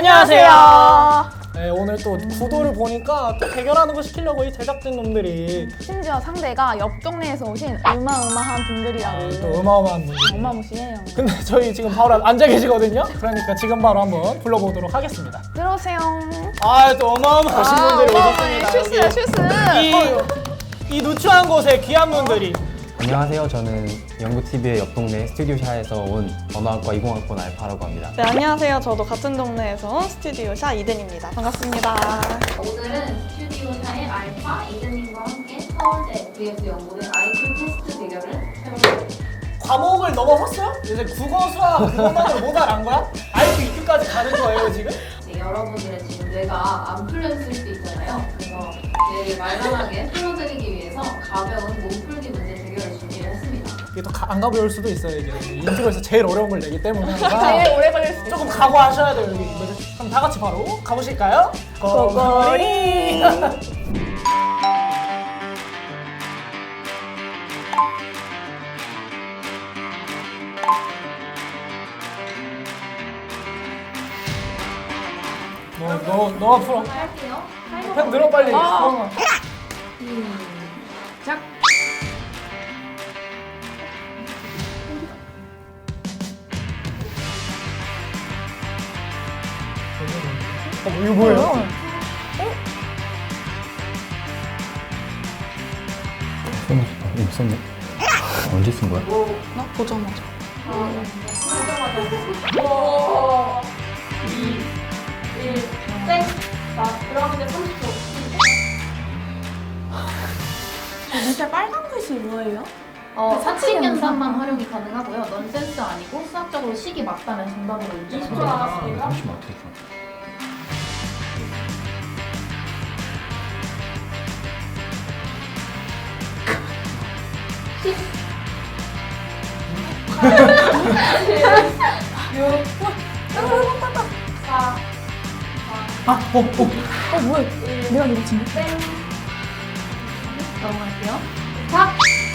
안녕하세요. 네, 오늘 또 구도를 보니까 또 대결하는 거 시키려고 이 제작진 놈들이 심지어 상대가 옆 동네에서 오신 어마어마한 분들이라고. 또 어마어마한 분들. 어마무시해요. 근데 저희 지금 바로 앉아 계시거든요. 그러니까 지금 바로 한번 불러보도록 하겠습니다. 들어오세요. 아, 또 어마어마하신 분들이 어마어마해. 오셨습니다. 슈스야, 슈스. 이 누추한 곳에 귀한 분들이. 안녕하세요. 저는 연구TV의 옆 동네 스튜디오샤에서 온 언어학과 20학번 알파라고 합니다. 네, 안녕하세요. 저도 같은 동네에서 온 스튜디오샤 이든입니다. 반갑습니다. 오늘은 스튜디오사의 알파 이든님과 함께 서울대 vs 연구대 IQ 테스트 대결을 해보겠습니다. 과목을 넘어섰어요? 이제 국어, 수학 그것만으로 못 알아간 거야? IQ, EQ까지 가는 거예요 지금? 네, 여러분들의 지금 뇌가 안 풀려있을 수도 있잖아요. 그래서 뇌를 말만하게 풀어드리기 위해서 가벼운 몸풀기 문제 대결을 준비를 했습니다. 이게 또 안 가벼울 수도 있어요. 이게 인트로에서 제일 어려운 걸 내기 때문에 제일 오래 걸릴 수 있어. 조금 각오하셔야 돼요. 여기. 그럼 다 같이 바로 가보실까요? 고고리! 너가 풀어. 할게요. 펜 들어 빨리. 시작! 이거 뭐예요? 이거 썼네. 언제 쓴 거야? 나 보자마자. 땡! 자, 들어가면 30초. 밑에 빨간 글씨 뭐예요? 사칙 연산만 활용이 가능하고요. 넌센스 아니고 수학적으로 식이 맞다면 정답으로 인정합니다. 잠시만 어떻게 써? 뭐야? 내가 이거 진짜. 땡! 넘어갈게요. 자!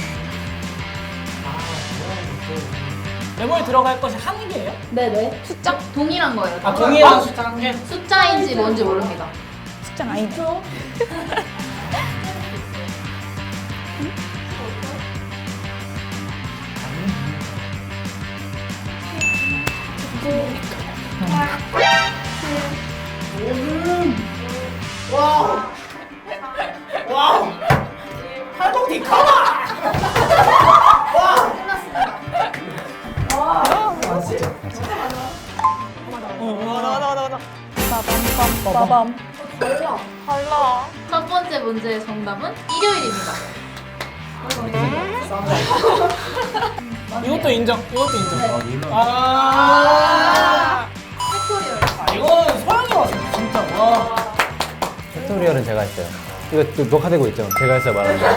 메모에 들어갈 것이 한 개예요? 네네. 숫자? 동일한 거예요. 아, 동일한 숫자 한 개? 숫자인지 뭔지 모릅니다. 숫자 아니네. 와우! 팔목 디카마! 나나. 빠밤. 달라. 첫 번째 문제의 정답은 일요일입니다. 이것도 인정. 이것도 인정. 네. 팩토리얼. 이건 소영이 왔어, 진짜. 와. 팩토리얼은 제가 했어요. 이거 또 녹화되고 있죠? 제가 했어요 말하는 거.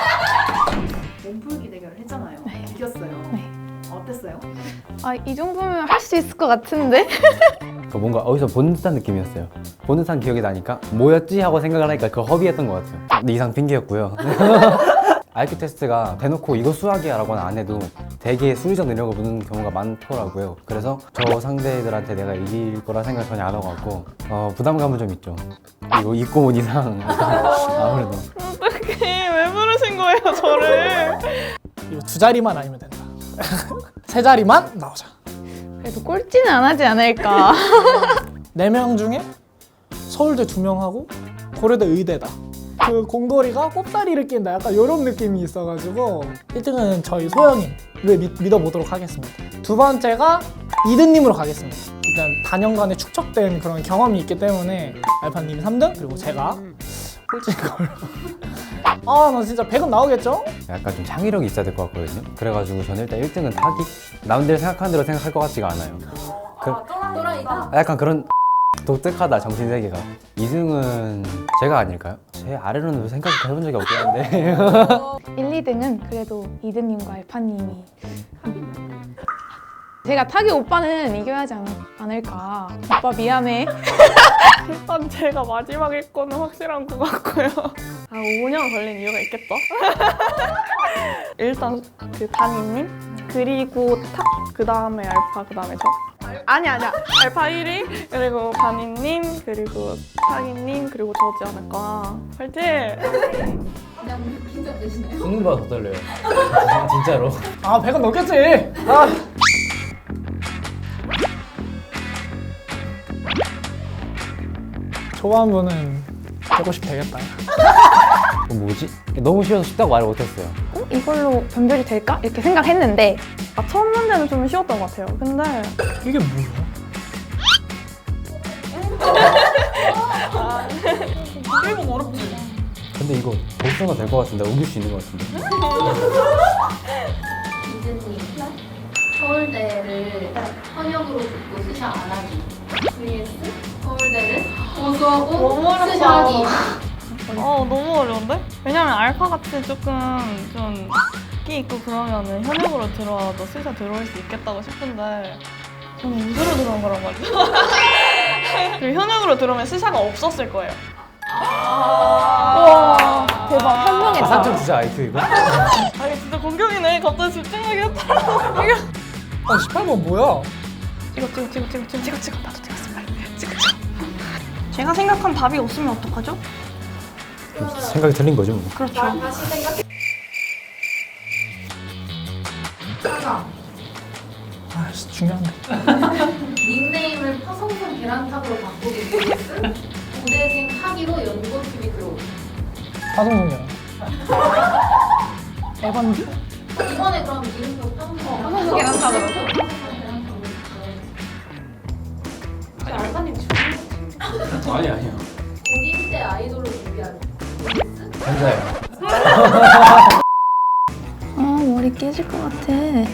몸풀기 대결을 했잖아요. 이겼어요. 네. 어땠어요? 아, 이 정도면 할 수 있을 것 같은데? 그 뭔가 어디서 본 듯한 느낌이었어요. 본 듯한 기억이 나니까 뭐였지 하고 생각을 하니까 그거 허비했던 것 같아요. 근데 이상 핑계였고요. IQ 테스트가 대놓고 이거 수학이야 라고는 안 해도 되게 수리적 능력을 묻는 경우가 많더라고요. 그래서 저 상대들한테 내가 이길 거라 생각 전혀 안 하고 왔고 부담감은 좀 있죠. 이거 입고 온 이상 아무래도 어떡해. 왜 부르신 거예요, 저를? 이거 두 자리만 아니면 된다. 세 자리만 나오자. 그래도 꼴찌는 안 하지 않을까. 4명 중에 서울대 2명하고 고려대 의대다. 그 공돌이가 꼽다리를 낀다. 약간 이런 느낌이 있어가지고 1등은 저희 소영이를 믿어보도록 하겠습니다. 두 번째가 이든님으로 가겠습니다. 일단 단연간에 축적된 그런 경험이 있기 때문에 알파님이 3등 그리고 제가 꼴찌인 걸로. 아, 나 진짜 100은 나오겠죠? 약간 좀 창의력이 있어야 될 것 같거든요. 그래가지고 저는 일단 1등은 타기? 남들 생각하는 대로 생각할 것 같지가 않아요. 또라이다? 약간 그런 독특하다 정신세계가. 2등은 제가 아닐까요? 제 아래로는 생각을 해본 적이 없긴 한데 1, 2등은 그래도 이든님과 알파님이. 제가 타기 오빠는 이겨야지 않을까. 오빠 미안해. 일단 제가 마지막일 거는 확실한 것 같고요. 5년 걸린 이유가 있겠죠? 일단 그 단이님, 그리고 탑, 그 다음에 알파, 그 다음에 저. 아니야. 알파 1위, 그리고 바니님, 그리고 타기님, 그리고 저지 않을까. 파이팅! 그냥 긴장되시나요? 죽는 더 떨려요. 진짜로. 아 100은 넘겼지. 아. 초반부는 150 되겠다. 뭐지? 너무 쉬워서 쉽다고 말을 못했어요. 이걸로 변별이 될까? 이렇게 생각했는데 첫 문제는 좀 쉬웠던 것 같아요. 근데 이게 뭐야? 근데 이거 복수가 될 것 같은데 우길 수 있는 것 같은데. 이즈님 서울대를 현역으로 듣고 스샤 안 하기 vs 서울대를 고수하고 스샤 하기. 너무 어려운데? 왜냐면 알파같이 조금 좀 끼 있고 그러면은 현역으로 들어와도 스샤 들어올 수 있겠다고 싶은데 저는 우주로 들어온 거란 말이죠. 그리고 현역으로 들어오면 스샤가 없었을 거예요. 와 대박 현명했다. 상점 주자 IQ 이거? 아 이게 진짜 공격이네. 갑자기 집중하게 했다. 아 18번 뭐야? 찍어. 나도 찍었어 빨리. 찍어. 제가 생각한 답이 없으면 어떡하죠? 생각이 틀린 거죠 뭐. 그렇죠. 다시 생각해. 하나, 아씨 중요한데. 닉네임을 파성선 계란탑으로 바꾸기 vs 고대생 타기로 연고TV 들어오기. 파송송이랑. 에반디? 이번에 그럼 이름표 파성선 계란탑으로. 알파님 아니요. 본인 때 아이돌로 데뷔하기 vs 혼자요. 아 머리 깨질 것 같아.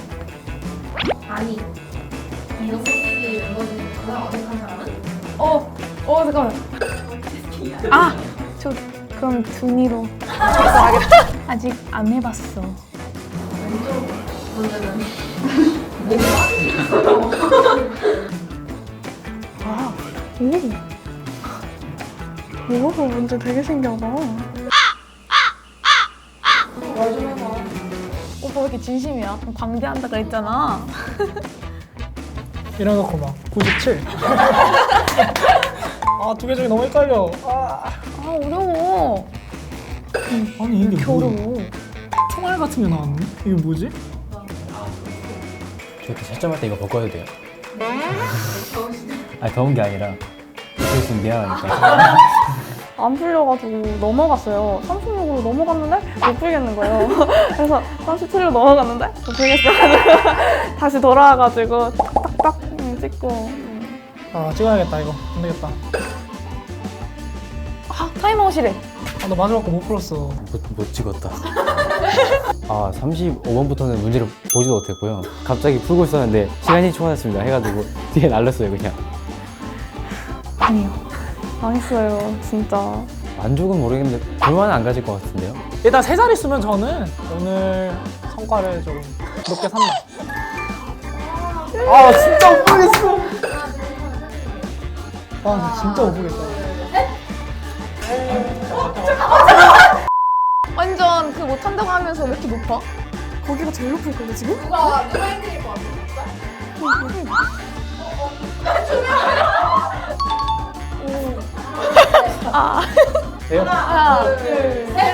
아니 연고TV 멤버 중에 가장 어색한 사람은? 잠깐만. 저 그럼 둔이로 아직 안 해봤어. 왼쪽 분들은 이거 문제 되게 신기하다. 오빠 왜 이렇게 진심이야? 광대한다 그랬잖아. 이래놓고 막 97. 아 두 개 중에 너무 헷갈려. 아 어려워. 아니 이게 뭐야? 어려워. 총알 같은 게 나왔네? 이게 뭐지? 저 이렇게 채점할 때 이거 바꿔도 돼요? 아니 더운 게 아니라 이렇게 있으면 미안하니까. 안 풀려가지고 넘어갔어요. 36으로 넘어갔는데 못 풀겠는 거예요. 그래서 37로 넘어갔는데 못 풀겠어가지고 다시 돌아와가지고 딱딱딱 찍고. 아 찍어야겠다 이거. 안 되겠다. 타임아웃이래. 아 나 마지막 거 못 풀었어. 못 찍었다. 아 35번부터는 문제를 보지도 못했고요. 갑자기 풀고 있었는데 시간이 초과됐습니다 해가지고 뒤에 날렸어요 그냥. 아니요. 망했어요 진짜. 만족은 모르겠는데 불만은 안 가질 것 같은데요? 일단 세 자리 쓰면 저는 오늘 성과를 좀 높게 산다. 아 진짜 못 보겠어. 아 진짜 못 보겠다. 완전 그 못한다고 하면서 왜 이렇게 높아? 거기가 제일 높을 거예요 지금? 누가 1등일 것 같아? 돼요? 하나, 둘, 셋.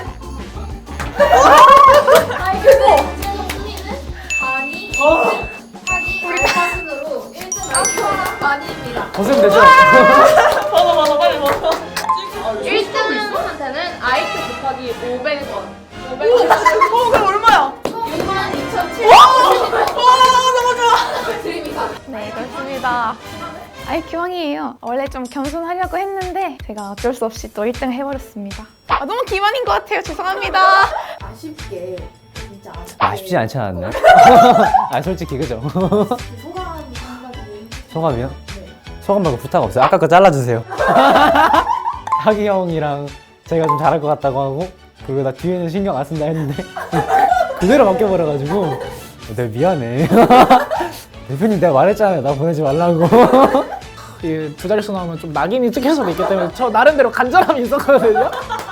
아니 근데 최종 순위는 바니, 타기, 알파 순으로 1등 알파랑 바니입니다. 벗으면 되죠? 맞아 빨리 먹어. 1등한테는 아이트 곱하기 500원. 그럼 얼마야? 62,700원. 너무 좋아. 드립니다. 네, 그렇습니다. IQ 왕이에요. 원래 좀 겸손하려고 했는데 제가 어쩔 수 없이 또 1등 해버렸습니다. 아, 너무 기만인 것 같아요. 죄송합니다. 아쉽게 진짜 아쉽지 않지 않았나요? 아 솔직히 그죠? 소감이 한마디. 소감이요? 소감 말고 부탁 없어요. 아까 거 잘라주세요. 하기 형이랑 제가 좀 잘할 것 같다고 하고 그리고 나 뒤에는 신경 안 쓴다 했는데 그대로 맡겨버려가지고 내가 미안해. 대표님 내가 말했잖아요. 나 보내지 말라고. 이 두 자릿수 나오면 좀 낙인이 찍힐 수도 있기 때문에 저 나름대로 간절함이 있었거든요.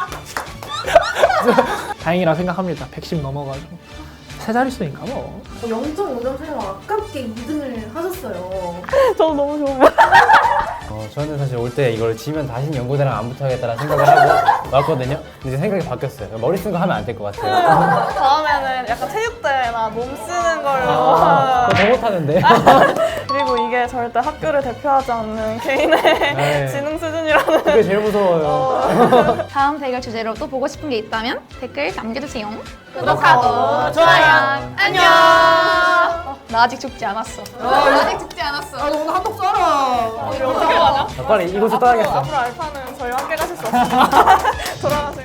다행이라 생각합니다. 110 넘어가지고 세 자릿수니까 뭐. 0.5점 차이가 아깝게 2등을 하셨어요. 저도 너무 좋아요. 저는 사실 올 때 이걸 지면 다시는 연고대랑 안 붙어야겠다는 생각을 하고 왔거든요. 근데 이제 생각이 바뀌었어요. 머리 쓴 거 하면 안 될 것 같아요. 다음에는 약간 체육대회나 몸 쓰는 걸로. 그거 더 못하는데. 그리고 이게 절대 학교를 대표하지 않는 개인의 네. 지능 수준이라는. 그게 제일 무서워요. 다음 대결 주제로 또 보고 싶은 게 있다면 댓글 남겨주세요. 구독하고 좋아요. 안녕. 나 아직 죽지 않았어. 아직 죽지 않았어. 오늘 한턱 쏴라. 우리 어떻게 가냐? 빨리 이곳을 떠나겠어. 앞으로 알파는 저희와 함께 가실 수 없습니다. 돌아가세요.